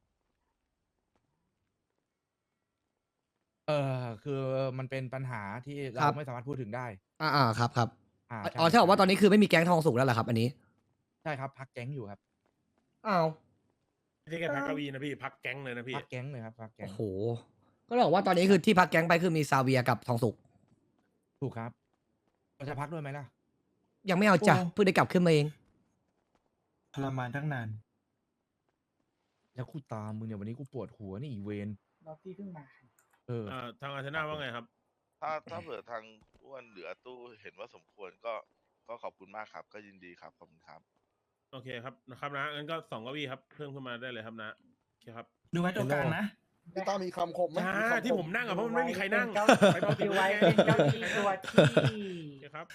Speaker 1: คือมันเป็นปัญหาที่
Speaker 2: ค
Speaker 1: เรา
Speaker 2: รับ
Speaker 1: ไม่สามารถพูดถึงได้
Speaker 2: ครับครับ
Speaker 1: ใช่
Speaker 2: อ๋อที่บอกว่าตอนนี้คือไม่มีแก๊งทองสุกแล้วเหรอครับ อันนี้
Speaker 1: ใช่ครับพักแก๊งอยู่ครับ
Speaker 2: อ้าว
Speaker 7: ไม่ใช่แค่พักเก้าอี้นะพี่ พักแก๊งเลยนะพี่
Speaker 1: พักแก๊งเลยครับพักแก๊
Speaker 2: โอ้
Speaker 1: ง
Speaker 2: โหก็เลยบอกว่าตอนนี้คือที่พักแก๊งไปคือมีซาเวียกับทองสุก
Speaker 1: ถูกครับเราจะพักด้วยไหมล่ะ
Speaker 2: ยังไม่เอาจ้ะ
Speaker 6: โอ้
Speaker 2: เพิ่งได้กลับขึ้นมาเอง
Speaker 6: ทรมานตั้งนาน
Speaker 1: แล้วกูตามมึงเนี่ยวันนี้กูปวดหัวนี่อีเวน
Speaker 6: รอบที่เพิ่งมา
Speaker 7: ทางอาร์เซนาว่าไงครับ
Speaker 9: ถ้าเผื่อทางอ้วนหรืออาตู้เห็นว่าสมควรก็ขอบคุณมากครับ ก็ยินดีครับ ขอบคุณครับ
Speaker 7: โอเคครับนะครับนะงั้นก็2เก้าอี้ครับ เพิ่มขึ้นมาได้เลยครับนะโอเคครับ
Speaker 6: ดูไว้ตัวกลางนะ
Speaker 10: พี่ต้ามีคำคมไหม
Speaker 7: อ่า
Speaker 10: มีคำค
Speaker 7: ที่ผมนั่งอะเพราะมันไม่มีใครนั่งไปต่อติด
Speaker 11: ไว้
Speaker 7: ไว้
Speaker 11: เป็นเก้าอี้ตัวที่
Speaker 7: โอเคครับ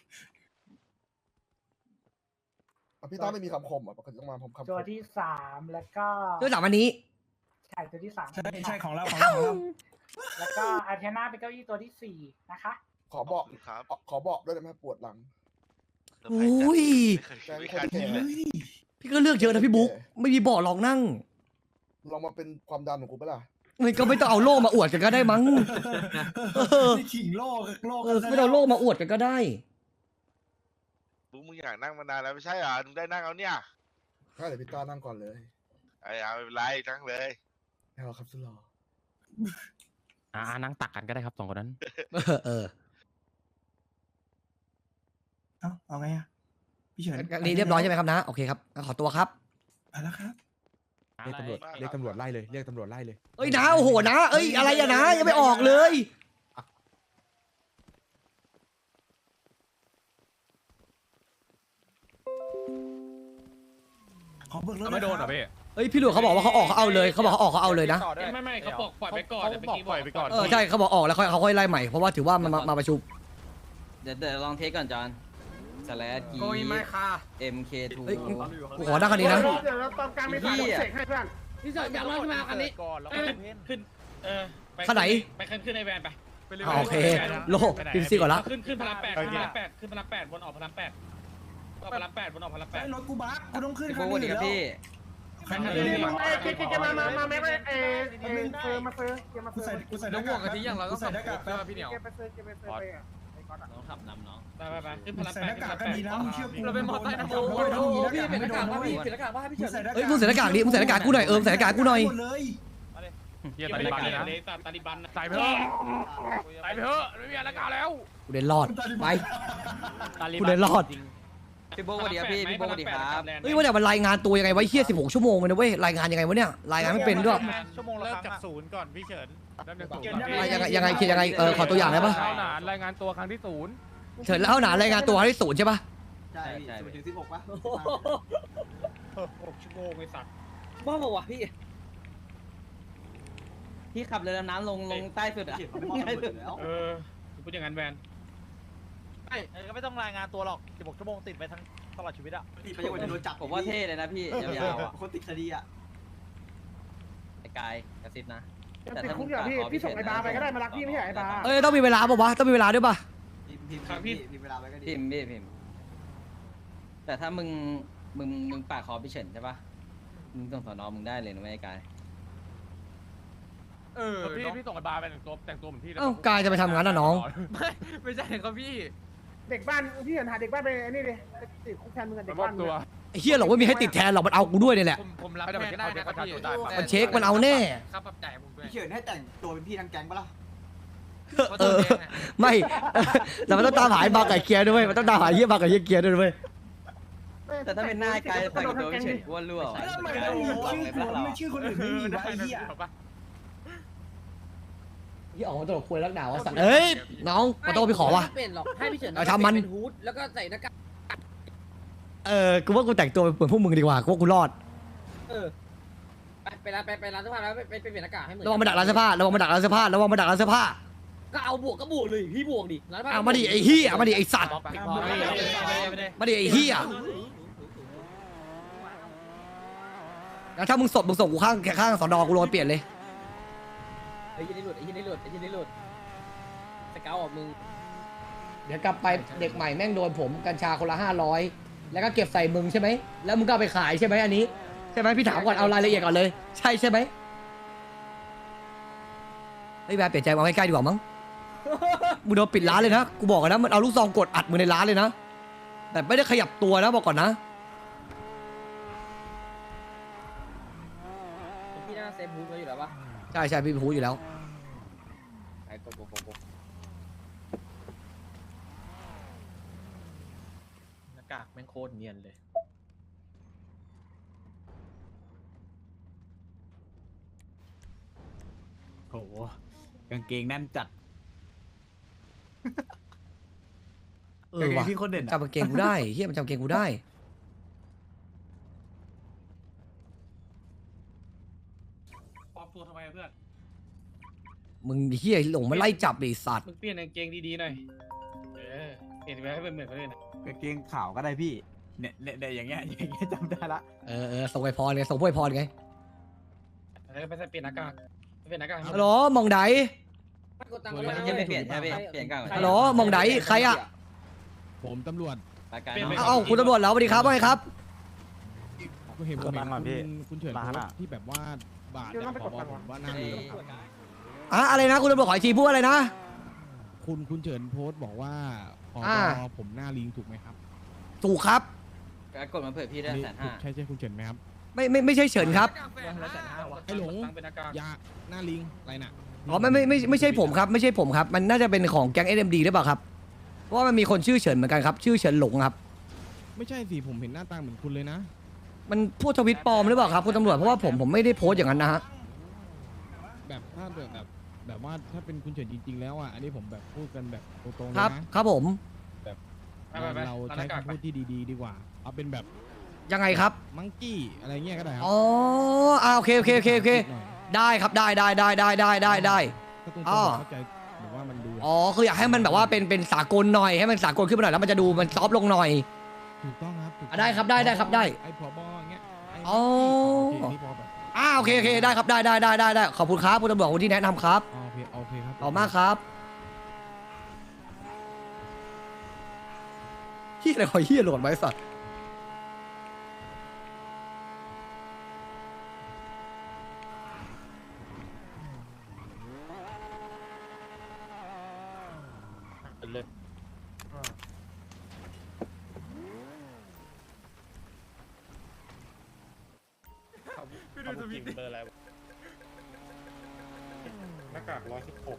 Speaker 10: อ่ะพี่ต้าไม่มีคำคมอ่ะปกติต้องมาผมคำคม
Speaker 11: ตัวที่3แล้วก็
Speaker 2: ด้วยสามอันนี้
Speaker 11: ใช่ตัวที่3
Speaker 6: ใช่ของเราของเราของเรา
Speaker 11: แล้วก็อาร์เทน่าเป็นเก้าอี้ตัวที่4นะคะ
Speaker 10: ขอบอก
Speaker 9: ขอบคุณครับ
Speaker 10: ขอบอกด้วยได้ไหมปวดหลัง
Speaker 2: โอ้ย
Speaker 9: ไม่เคยคิดเลย
Speaker 2: พี่ก็เลือกเยอะนะพี่บุ๊กไม่มีเบาะรองนั่ง
Speaker 10: ลองมาเป็นความดันของกูปะล่ะ
Speaker 2: มันก็ไม่ต้องเอาโล่มาอวดกันก็ได้มั้ง
Speaker 6: นี่ขิงโลก
Speaker 2: ไม่ต้องเอาโล่มาอวดกันก็ได้
Speaker 9: มึงอยากนั่งมานานแล้วไม่ใช่เหรอมึงได้นั่งแล้วเนี่ย
Speaker 10: ถ้าเดี๋ยวพี่ต้านั่งก่อนเลย
Speaker 9: ไอ้เอาไม่เป็นไรนั่งเลย
Speaker 10: ไม่เอาครับสุดหล่อ
Speaker 5: นั่งตักกันก็ได้ครับ2คนนั้น
Speaker 2: เออ
Speaker 6: เอาไงอะพี่เฉิน
Speaker 2: นี่เรียบร้อยใช่ไหมครับนะ โอเคครับขอตัวครับ
Speaker 6: ไปแล้วครับ
Speaker 1: เรียกตำรวจไล่เลยเรียกตำรวจไล่เลย
Speaker 2: เอ้ยนะโอ้โหนะเอ้ยอะไรอะนะยังไม่ออกเลย
Speaker 6: ขอเบิกรถ
Speaker 5: ไม่โดนเหรอพี่
Speaker 2: เอ้ยพี่หลวงเขาบอกว่าเขาออกเขาเอาเลยเขาบอกเขาออกเขาเอาเลยนะ
Speaker 5: ไม่เขาบอกปล่อยไปก่อนแต่เมื่อกี้ปล่อยไปก่อน
Speaker 2: ใช่เขาบอกออกแล้วเขาค่อยไล่ใหม่เพราะว่าถือว่ามาประชุม
Speaker 11: เดี๋ยวลองเทสก่อนจอนสแลดกี MK2
Speaker 2: เฮ้ยกูขอนั่งคันนี้นะ
Speaker 11: เดี๋ยวเราตอนกลางไม่ผ่านเสกให้เพื่อน
Speaker 5: พี่จอดอยากลองขึ้นมาคันนี้ก่อนแล้วก็ขึ้น
Speaker 2: คันไหน
Speaker 5: ไปขึ้นในแวนไป
Speaker 2: โอเคโลพิมพ์ซีก่อนละ
Speaker 5: ขึ้นพลัง8ขึ้นพลัง8ขึ้นพลัง8บนออกพลัง8ออกพลัง8บนออกพลัง
Speaker 6: ไอ้รถกูบักกูต้องขึ้น
Speaker 11: พี่
Speaker 6: คัน
Speaker 11: โบ๊ท
Speaker 6: นี้
Speaker 11: ดี
Speaker 6: อยู่
Speaker 11: ครับ
Speaker 6: แล้ว
Speaker 11: พี่
Speaker 6: คันนี้
Speaker 11: มากูใส่หน้ากากกูใส่หน้ากากแป๊บ
Speaker 5: พี่เหนียว
Speaker 11: น้องขับนำน้อง
Speaker 5: ไปขึ้นพลัง
Speaker 6: ใส่
Speaker 5: 8
Speaker 6: หน้ากากกันดีนะมึงเชื่อกู
Speaker 5: เราเป็นมอไซค์นะ
Speaker 6: โอ้โหพี่เป็นหน้ากากว่าพี่เป็นหน้ากากว่าพี่ใส่หน้ากาก
Speaker 2: เฮ้ยมึงใส่หน้ากากดิมึงใส่หน้ากากกูหน่อยใส่หน้ากากกูหน่อย
Speaker 6: หมดเลย
Speaker 5: เฮียตาลิบันเลยนะตาลิบันใส่ไปเถอะใส่ไปเถอะไม่มีอะไรกันแล้ว
Speaker 2: กูเดินรอดไปกูเดินรอด
Speaker 11: พี่โบ๊ทดีครับพี่โบ๊ทดีครับ
Speaker 2: เฮ้ยว่าแต่มันรายงานตัวยังไงวะเฮีย16 ชั่วโมงเลยนะเว้ยรายงานยังไงวะเนี่ยรายงานไม่เป็นด้วย
Speaker 5: ชั่วโมงเริ่มจาก0ก่อนพี่เฉินเริ่มจาก0
Speaker 2: ยังไงเขียนยังไงขอตัวอย่างได้ปะ
Speaker 5: เท่าหนานรายงานตัวครั้งที่0
Speaker 2: เฉินแล้วหนารายงานตัวให้0ใช่ปะ
Speaker 11: ใช่ถึง16ป่ะ
Speaker 5: 6 ชั่วโมงไอ้สัตว์
Speaker 11: บ้าบอกว่ะพี่ขับเรือดำน้ำลงใต้สุดอ่ะง่ายสุดแล้ว
Speaker 5: พูดอย่างนั้นแวน
Speaker 11: ก็ไม่ต้องรายงานตัวหรอก16ชั่วโมงติดไปทั้งตลอดชีวิตอ่ะไปยังโดนจับผมว่าเท่เลยนะพี่ยาวๆอ่ะคนติดคดีอ่ะไอ้กายกระซิบนะแต่ถ้าพี่ส่งไอ้บาไปก็ได้มารักพี่ไม่ใช่ไอ้บา
Speaker 2: ต้องมีเวลาป่ะวะต้องมีเวลาด้วยป่ะ
Speaker 11: พิมเวลาไปก็ดีพิมแต่ถ้ามึงปากคอพี่เฉินใช่ปะมึงส่งสอนอมึงได้เลยนะไม่ไอ้กาย
Speaker 5: พี่ส่งไอ้บาร์ไปแต่งตัวเหมือนพี่
Speaker 2: เอ้ากายจะไปทำงานน่ะน้อง
Speaker 5: ไม่ใช่ครับพี่
Speaker 10: เด็กบ้านพี่เห็นหาเด็กบ้านไปไอ้นี่ดิติดคุกแทนมึงกับเด็
Speaker 5: มาก มอ
Speaker 10: บ้า
Speaker 5: บ
Speaker 10: น
Speaker 5: ตัว
Speaker 2: ไอ้เฮียหรอกไม่มีให้ติดแทนหรอกมันเอากูด้วยเนี่ยแหละ
Speaker 5: ผมรับแทนก็ได้นะครับพี่
Speaker 2: มันเช็คมันเอาแน่
Speaker 5: ครับปรับจ่ายผมด้วย
Speaker 11: พี่เฉินให้แต่งตัวเป็นพี่ทางแก๊งปะล่ะ
Speaker 2: เออไม่แต่มันต้องตามหาไอ้บาร์ไก่เกียร์ด้วยมันต้องตามหาไอ้เฮียบาร์ไก่เกียร์ด้วยเว้ย
Speaker 11: แต่ถ้าเป็นหน้าไอ้กายแต่งตัวเป็นเฉินกูว่ารั่ว
Speaker 6: แล้วทำไมต้องมีชื่อกูไม่ชื่อคนอื่นไม่มีวะไอ้เหี้ย
Speaker 2: ที่ออกมาตลกคุยรักดาวว่าสัตว์เอ้ยน้องมาโต้พี่ขอว่ะ
Speaker 11: เป็นหรอกให้พี่เฉิน
Speaker 2: เอาทำมัน
Speaker 11: เป็นฮูดแล้วก็ใส่หน้ากาก
Speaker 2: กูว่ากูแต่งตัวเหมือนพวกมึงดีกว่ากูว่ากูรอด
Speaker 11: ไปร้านเสื้อผ้าแล้วไปเปลี่ยนหน้ากากให้เหมือน
Speaker 2: ระวังมาดักร้านเสื้อผ้าระวังมาดักร้านเสื้อผ้าระวังมาดักร้านเสื้อผ้า
Speaker 11: ก็เอาบวกก็บวกเลยพี่บวกดิร้านผ้า
Speaker 2: เอามาดิไอ้เฮียมาดิไอ้สัตว์มาดิไอ้เฮียแล้วถ้ามึงส่งกูข้างสอนอกูลงไปเปลี่ยนเลย
Speaker 11: ไอ้ยี่นี่หลุดไอ้ยี่นี่หลุดไอ้ยี่นี่หลุดสเกลออกมึง
Speaker 2: เดี๋ยวกลับไปเด็กใหม่แม่งโดนผมกัญชาคนละ500แล้วก็เก็บใส่มึงใช่ไหมแล้วมึงก็เอาไปขายใช่ไหมอันนี้ใช่ไหมพี่ถามก่อนเอารายละเอียดก่อนเลยใช่ไหมเฮ้ยแบบเปลี่ยนใจเอาใกล้ๆดีกว่ามั้งมึงโดนปิดร้านเลยนะกูบอกกันนะมันเอาลูกซองกดอัดมึงในร้านเลยนะแต่ไม่ได้ขยับตัวนะบอกก่อนนะ
Speaker 11: พี่น่าเซฟฮูดไว้อยู่แล้วปะ
Speaker 2: ใช่พี่พูดอยู่แล้ว
Speaker 11: ไอ้กดหน้ากากแม่งโคตรเนียนเลย
Speaker 6: โหกางเกงแน่นจัด
Speaker 2: ว่ะ
Speaker 6: พี่คนเด่น
Speaker 2: จำกางเกงกูได้เฮียมันจำกางเกงกูได้
Speaker 5: ปลอมตัวทำไมเพื่อน
Speaker 2: มึงเฮียหลงมาไล่จับไอ้สัตว์
Speaker 5: มึงเปลี่ยนกางเกงดีๆหน่อยเปลี่ยนไปให้เป็นเหมือนคนอื่น
Speaker 6: กางเกงขาวก็ได้พี่เนี่ยอย่างเงี้ยจำได้ละ
Speaker 2: ส่งไปพรไงส่งพวกไอพรไง
Speaker 5: แล้วไปใส่เปลี่ยนหน้ากากเปลี่ยนหน้ากาก
Speaker 2: ฮัลโหลมองได
Speaker 11: กดตังค์ก็ไม่เปลี่ยนใช่ไหมเปลี่ยนกาง
Speaker 2: ฮัลโหลมองไดใครอ่ะ
Speaker 12: ผมตำรวจ
Speaker 2: เอ้าคุณตำรวจแล้วสวัสดีครับว่าไงครับ
Speaker 12: ก็เห็นผมคุณเฉินโพสต์ที่แบบว่าบาทเนี่ยขอบอกผมว่าน่ารู้ครับ
Speaker 2: อะไรนะคุณตำรวจขออีกทีพูดอะไรนะ
Speaker 12: คุณเฉินโพสต์บอกว่าขอผมหน้าลิงถูกไหมครับ
Speaker 2: ถูกครับ
Speaker 11: กดมาเผื่อพี่ได้150,000
Speaker 12: ใช่คุณเฉินไหมครับ
Speaker 2: ไม่ใช่เฉินครับ
Speaker 12: ไอ้หลงยาหน้าลิงอะไรน่ะ
Speaker 2: อ๋อไม่ใช่ผมครับไม่ใช่ผมครับมันน่าจะเป็นของแก๊ง SMD หรือเปล่าครับเพราะว่ามันมีคนชื่อเฉินเหมือนกันครับชื่อเฉินหลงครับ
Speaker 12: ไม่ใช่สิผมเห็นหน้าตาเหมือนคุณเลยนะ
Speaker 2: มันพูดทวิตปลอมหรือเปล่าครับคุณตำรวจเพราะว่าผมไม่ได้โพสต์อย่างนั้นนะฮะ
Speaker 12: แบบถ้าแบบว่าถ้าเป็นคุณเฉินจริงๆแล้วอ่ะอันนี้ผมแบบพูดกันแบบตรงๆเลย
Speaker 2: ครับ
Speaker 12: นะครับ
Speaker 2: ผม
Speaker 12: เราใช้คำพูดที่ดีๆดีกว่าเอาเป็นแบบ
Speaker 2: ยังไงครับ
Speaker 12: มังกี้อะไรเงี้ยก็ได้ครับ
Speaker 2: อ๋อโอเคได้ครับได้
Speaker 12: ถ้าตรงๆ
Speaker 2: อ๋อ
Speaker 12: เข้าใจหรือว่ามันดู
Speaker 2: อ๋อคืออยากให้มันแบบว่าเป็นสากลหน่อยให้มันสากลขึ้นมาหน่อยแล้วมันจะดูมันซอฟต์ลงหน่อย
Speaker 12: ถูกต้องครับถูกต้อง
Speaker 2: ได้ครับได้ครับได้
Speaker 12: ไอ้ผบอย่างเงี้ยไ
Speaker 2: อ๋อ
Speaker 12: โอเคนี่พอแบบ
Speaker 2: โอเคได้ครับได้ขอบคุณครับคุณตำรวจคนที่แนะนำครับ
Speaker 12: โอเคครับ
Speaker 2: ขอบมากครับเฮียอะไรขอเฮียโหลดไว้สัตว์
Speaker 5: เลย
Speaker 7: พี่ดูทวิตเบอร์อะไรหน้ากาก116
Speaker 2: 116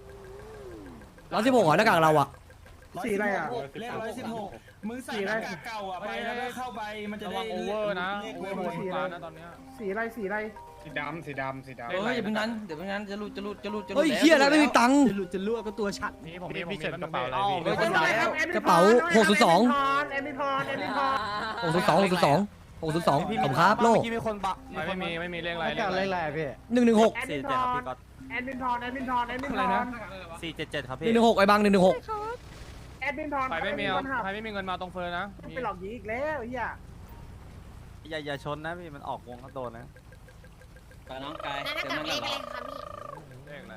Speaker 2: เหรอหน้ากากเราอะ
Speaker 10: สีอะไรอ่ะ
Speaker 6: เลข116มึงใส่หน้ากากเก่าอ่ะไปแล้วก็เข้าไปมันจะ
Speaker 5: ระ
Speaker 6: ได้
Speaker 5: วังโอเวอร์นะ
Speaker 6: เลข
Speaker 5: โอเวอร์หมดทุกร้านนะตอนเนี้ย
Speaker 10: สีอะไร
Speaker 5: สีดำ
Speaker 11: เฮ้ยอย่าเพิ่งนั้นเดี๋ยวเพิ่งนั้นจะรูด
Speaker 2: เฮ้ยเฮียแล้วไม่มีตังค์
Speaker 6: จะลวกก็ตัวชัด
Speaker 5: นี่ผมมีกระเป๋าอะไร
Speaker 11: เฮ้ยจะตายแล้ว
Speaker 2: กระเป๋า602
Speaker 10: แอมบิพร
Speaker 2: 602ผมครับโลก
Speaker 5: ไม่มีเลขอะไรพี่
Speaker 2: 116
Speaker 10: แอดมินทอนแอดมินทอน
Speaker 5: อะไรนะ
Speaker 11: 477ครับพี่
Speaker 2: 116ไอ้บัง116
Speaker 10: แอดมินทอน
Speaker 5: ใครไม่มีเงินมาตรงเฟิร์นนะ
Speaker 10: ไปหลอกยิงอีกแล้วเฮีย
Speaker 11: อย่าชนนะพี่มันออกวงก็โดนนะไปน้องกายเต็มนั่นเหรอ
Speaker 5: เลขอะไร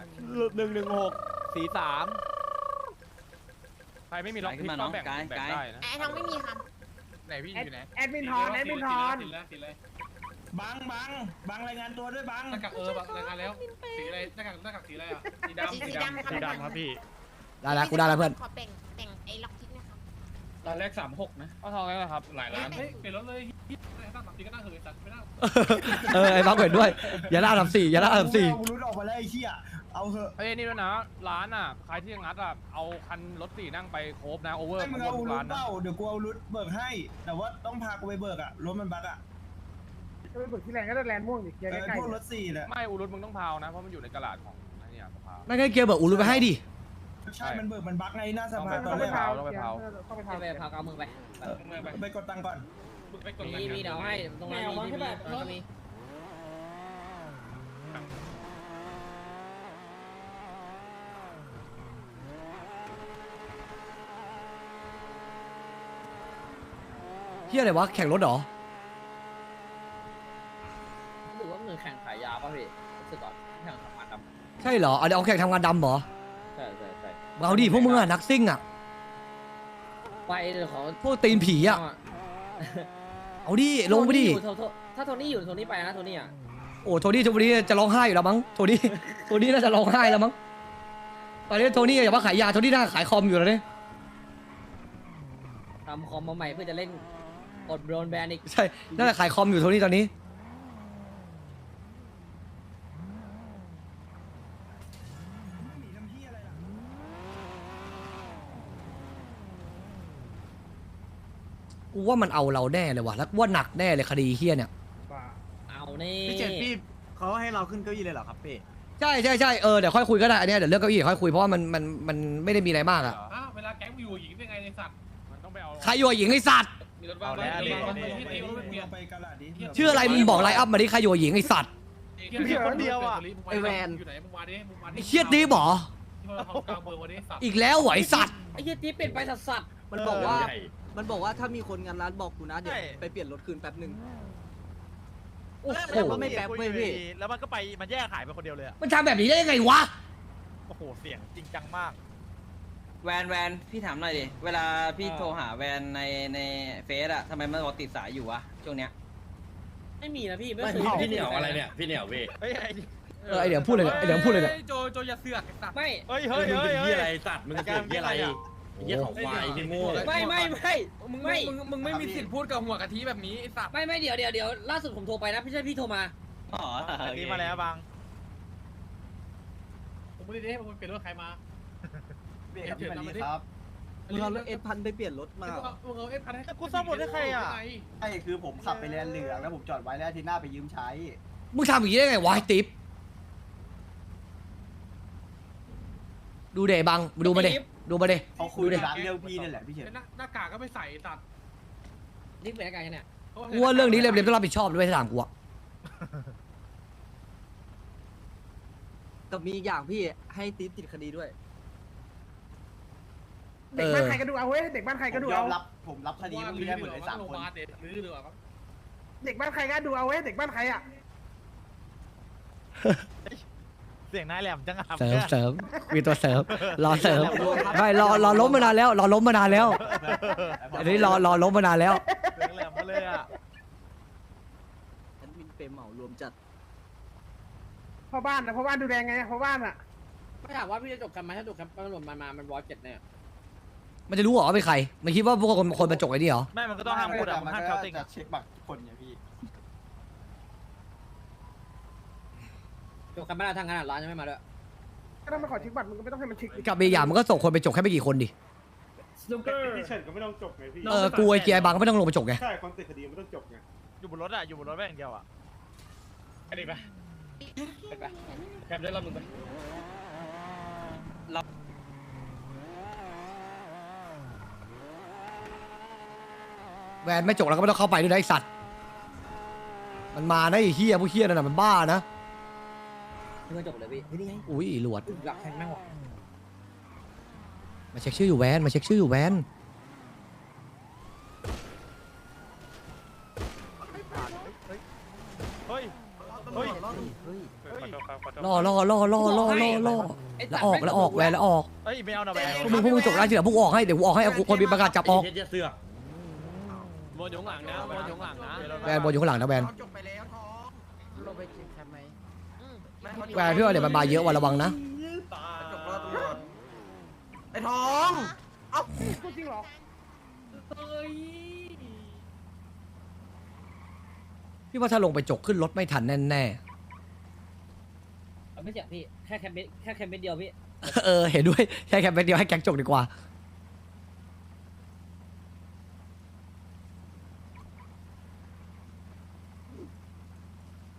Speaker 11: 116
Speaker 5: ใครไม่มีล็อกพิกก็แบ่งได้นะ
Speaker 3: ไอ้ทองไม่มีค่ะ
Speaker 5: ไหนพี่อยู่ไหน
Speaker 10: แอดมินทอน
Speaker 5: สีเลย
Speaker 6: บังรายงานตัวด้วยบัง
Speaker 5: หน้ากากรายงานแล้วสีอะไรหน้ากากสีอะไรอ่ะสีดำครับพี่
Speaker 2: ได้แล้วกูได้แล้วเพื่อน
Speaker 3: ขอแบ่งไอ้ล็อกทิกนะครับ
Speaker 5: ร้านแรก36นะเอาทองแล้วครับหลายร้านเฮ้ยเปลี่ยนรถเลยตั้ง3 ทีก็น่าเหยสัตว์ไม่น่า
Speaker 2: ไอ้บ้าเห็นด้วยอย่าล่าทำ4อย่าล่าทำ4
Speaker 6: เอารุดออกมาแล้วไอ้เหี้ยเอาเหอะ
Speaker 5: เฮ้ยนี่ด้วยนะร้านอ่ะใครที่งัดอ่ะเอาคันรถ4นั่งไปโคบนะโอเวอร์
Speaker 6: ให้มึงเอารุดเปล่าเดี๋ยวกูเอารุดเบิกให้ แต่ว่าต้องพากูไปเบิกอะรถมันบักอะ
Speaker 12: ก็ไปเบิกที่แรงก็ได้แลนด์ม่วงดิเกียร์ใกล้
Speaker 6: พวกรถ4เนี่ย
Speaker 5: ไม่อูรุตมึงต้องพาวนะเพราะมันอยู่ในกระดาษของไอ้เนี่ยสภา
Speaker 2: ไม่ใช่เกียร์เบิกอูรุไปให้ดิ
Speaker 6: ใช่มันเบิกมันบักไงหน้าสภา
Speaker 12: ๆ
Speaker 6: ตอ
Speaker 12: ต้อน ง
Speaker 6: แร
Speaker 12: ไป
Speaker 6: ก
Speaker 12: เผา
Speaker 5: ต้องไปเผา
Speaker 12: ต้องไปเผา
Speaker 11: ไปพากเอามึงไป
Speaker 6: ไปกดตังค์ก่อน
Speaker 5: ไปกด
Speaker 11: มีเดี๋ยวให้ตรงนั้นมี
Speaker 2: เฮียอะไรวะแข่งรถเหรอ
Speaker 11: หรือว่ามือแข่งขายยาป่ะพี่รู้สึกก่อนแข่งทำงานด
Speaker 2: ใช่เหรอเอาแข่งทำงานดำเหรอ
Speaker 11: ำใช่
Speaker 2: เอาดิพวกมึงอะนักซิ่งอะ
Speaker 11: ไปเดี๋ยวขอ
Speaker 2: พวกตีนผีอะเอาดิลงไปดิ
Speaker 11: ถ้าโทนี่อยู่โทนี่ไปนะโทนี่อ่ะ
Speaker 2: โอ้โทนี่จะร้องไห้อยู่แล้วมั้งโทนี่น่าจะร้องไห้แล้วมั้งตอนนี้โทนี่อย่าว่าขายยาโทนี่น่าขายคอมอยู่แล้วเนี่ย
Speaker 11: ทำคอมมาใหม่เพื่อจะเล่นอดโดนแบนอีก
Speaker 2: ใช่น่าจะขายคอมอยู่โทนี่ตอนนี้กูว่ามันเอาเราแน่เลยว่ะแล้วกูว่าหนักแน่เลยคดีเฮี้ยเนี่ย
Speaker 11: เอานี่
Speaker 4: พี่เจ็ดพี่เขาให้เราขึ้นเก้าอี้เลยเหรอครับพี่
Speaker 2: ใช่เดี๋ยวค่อยคุยก็ได้อันเนี้ยเดี๋ยวเรื่องเก้าอี้ค่อยคุยเพราะว่ามันไม่ได้มีอะไรมากอะ
Speaker 5: เวลาแก๊งอยู่หญิงเป็นไงในสัตว์มันต้องไปเอา
Speaker 2: ใครอยู่กับหญิงไอสัตว์
Speaker 5: มีรถบ้างไหมที่ตีรถไม่เปลี่ยน
Speaker 6: ไปกระดาษดิ
Speaker 2: ชื่ออะไรมึงบอกไลน์อัพมาดิใครอยู่กับหญิงไอสัตว์
Speaker 5: คนเดียวอ่ะไอแวน
Speaker 2: ไอเชียดนี้บออีกแล้วเหรอไอสัตว์
Speaker 11: ไอ้ยี่ติ๊บเป็นไปสัตว์
Speaker 4: มันบอกว่าถ้ามีคนงานร้านบอกกูนะเดี๋ยวไปเปลี่ยนรถคืนแป๊บนึง
Speaker 2: โอ้โห
Speaker 4: แล้วก็ไม่แป๊บเว้ยพี่
Speaker 13: แล้วมันก็ไปมันแยกขายไปคนเดียวเลยอะ
Speaker 2: มันทำแบบนี้ได้ยังไงวะ
Speaker 13: โอ้โหเสียงจริงจังมาก
Speaker 11: แวนพี่ถามหน่อยดิเวลาพี่โทรหาแวนในเฟซอะทำไมมันบอกติดสายอยู่วะช่วงเนี้ยไม่มีนะพี่ไม่เคย
Speaker 7: พี่เหนียวอะไรเนี่ยพี่เหนียวเว้ย
Speaker 13: เฮ้ย
Speaker 2: ไอเดี๋ยวพูดเลยไอเดี๋ยวพูดเลยเนี่ย
Speaker 5: โจอย่าเสือกสัตว์
Speaker 11: ไม่
Speaker 13: เฮ้ย
Speaker 7: มึงเป็นเหี้ยอะไรสัตว์มึงเป็นเหี้ยอะไรเหี้ยของควายที่โง่
Speaker 11: ไม่
Speaker 5: มึงไม่มีสิทธิ์พูดกับหัวกะทิแบบนี้ไอ้สัตว์
Speaker 11: ไม่เดี๋ยวล่าสุดผมโทรไปนะไม่ใช่พี่โทรมาอ๋อ
Speaker 13: นี่มาแล้วบาง
Speaker 5: ผมไม่ได้ให้มึงเปลี่ยนรถใครมา
Speaker 4: เปลี่ยนที่มันนี้ครับมึงเอารถF1000ไปเปลี่ยนรถมา
Speaker 5: มึงเอาเอฟพันให้
Speaker 13: กูซ่อมรถให้ใครอ่ะ
Speaker 4: ใช่คือผมขับไปแลนเหลืองแล้วผมจอดไว้แล้วอาทีหน้าไปยืมใช้
Speaker 2: มึงทำอย่างนี้ได้ไงวะไอติ๊บดูเดบังดูมาเดดูมาเด
Speaker 4: เขาคุยร้านเรื่องพี่นี่แหละพี่เฉิน
Speaker 5: หน้ากากก็ไม่ใส่สัตว์
Speaker 11: นี่เป็นอะไรกันเนี่ย
Speaker 2: กูว่าเรื่องนี้เร็วๆต้องรับผิดชอบด้วยถ้าถามกูอะ
Speaker 4: แต่มีอย่างพี่ให้ติ๊บติดคดีด้วย
Speaker 12: เด็กบ้านใครก็ดูเอาเว้ยเด็กบ้านใครก็ดูเอา
Speaker 4: ผมรับคดีพวกนี้ได้หมดเลย3 คน
Speaker 5: เด็ดหรือเปล่า
Speaker 12: เด็กบ้านใครก็ดูเอาเว้ยเด็กบ้านใครอ่ะ
Speaker 13: เสียงนายแหลมจังอ่ะ
Speaker 2: เสริมมีตัวเสริมรอเสริมไม่รอล้มมานานแล้วรอล้มมานานแล้วอันนี้รอล้มมานานแล้ว
Speaker 13: เสียงแหลมมาเลยอ่ะ
Speaker 4: ฉันมีเปรมเหมารวมจัด
Speaker 12: พ่อบ้านนะพ่อบ้านดูแลไงพ่อบ้านอ่ะ
Speaker 11: ไม่ถามว่าพี่จะจบกันไหมถ้าจบกันตำรวจมันวอลเจ็ดเนี่ย
Speaker 2: มันจะรู้เหรอว่าเป็นใครมันคิดว่าพวกคนมาจกไอ้นี่เหรอ
Speaker 13: ไม่มันก็ต้องห้ามพูดอ่ะมันห้ามเขาติง
Speaker 4: จะเช็คบัตรคนไงพี่
Speaker 11: จบกันไม่ได้ทางขนาดร้านยังไม่มาด้วย
Speaker 12: ก็ต้องมาขอเช็คบัตรมึงก็ไม่ต้องให้มันเช็ค
Speaker 2: กับอีกอย่างมันก็ส่งคนไปจกแค่ไม่กี่คนดิ
Speaker 7: พี่เฉินก็ไม่ต้องจบไงพี่
Speaker 2: กูไอ้เกียร์บางก็ไม่ต้องลงไปจกไง
Speaker 7: ใช่ความติดคดีไม่ต้องจบไง
Speaker 13: อยู่บนรถอ่ะอยู่บนรถแม่งเดียวอ่ะ
Speaker 5: ไปดิไปแคปได้รอบนึงไป
Speaker 2: แวนไม่จกแล้วก็ไม่ต้องเข้าไปด้วยนะไอสัตว์มันมานะไอ้เฮียผู้เฮียนั่นน่ะมันบ้านะ
Speaker 11: เพื่อจบเลยพี่นี่ไง
Speaker 2: อุ้ยหลวด
Speaker 11: อยากแข่งแม่งวะ
Speaker 2: มาเช็คชื่ออยู่แวนมาเช็คชื่ออยู่แวน
Speaker 13: เฮ้ย
Speaker 2: ล่อแล้วออกแวนแล้วออก
Speaker 13: เฮ้ยไม่เอาหน่ะแบง
Speaker 2: พวกมึงจกได้ทีเดียวพวกกูออกให้เดี๋ยวกูออกให้เอาคนมีประกาศจับออก
Speaker 7: เหี้ยเสือก
Speaker 5: โบนอยู่ข้างหลังนะโบนอยู่ข้างหลังนะ
Speaker 2: แบนบนอยู่ข้างหลังนะแบน
Speaker 11: จบไปแล้วท้องลงไปกินแคมไหม
Speaker 2: แบนพี่ว่าเดี๋ยวมันมาเยอะวันระวังนะ
Speaker 11: จบแล้วตำรวจไอ้ท้อง เอ้าจริงเหรอ
Speaker 2: พี่ว่าถ้าลงไปจกขึ้นรถไม่ทันแน่
Speaker 11: ไม่เจ็บพี่ แค่แคมเบสเดียวพี่
Speaker 2: ๆ เออเห็นด้วยแค่แคมเปญเดียวให้แก๊งจกดีกว่า
Speaker 11: ใ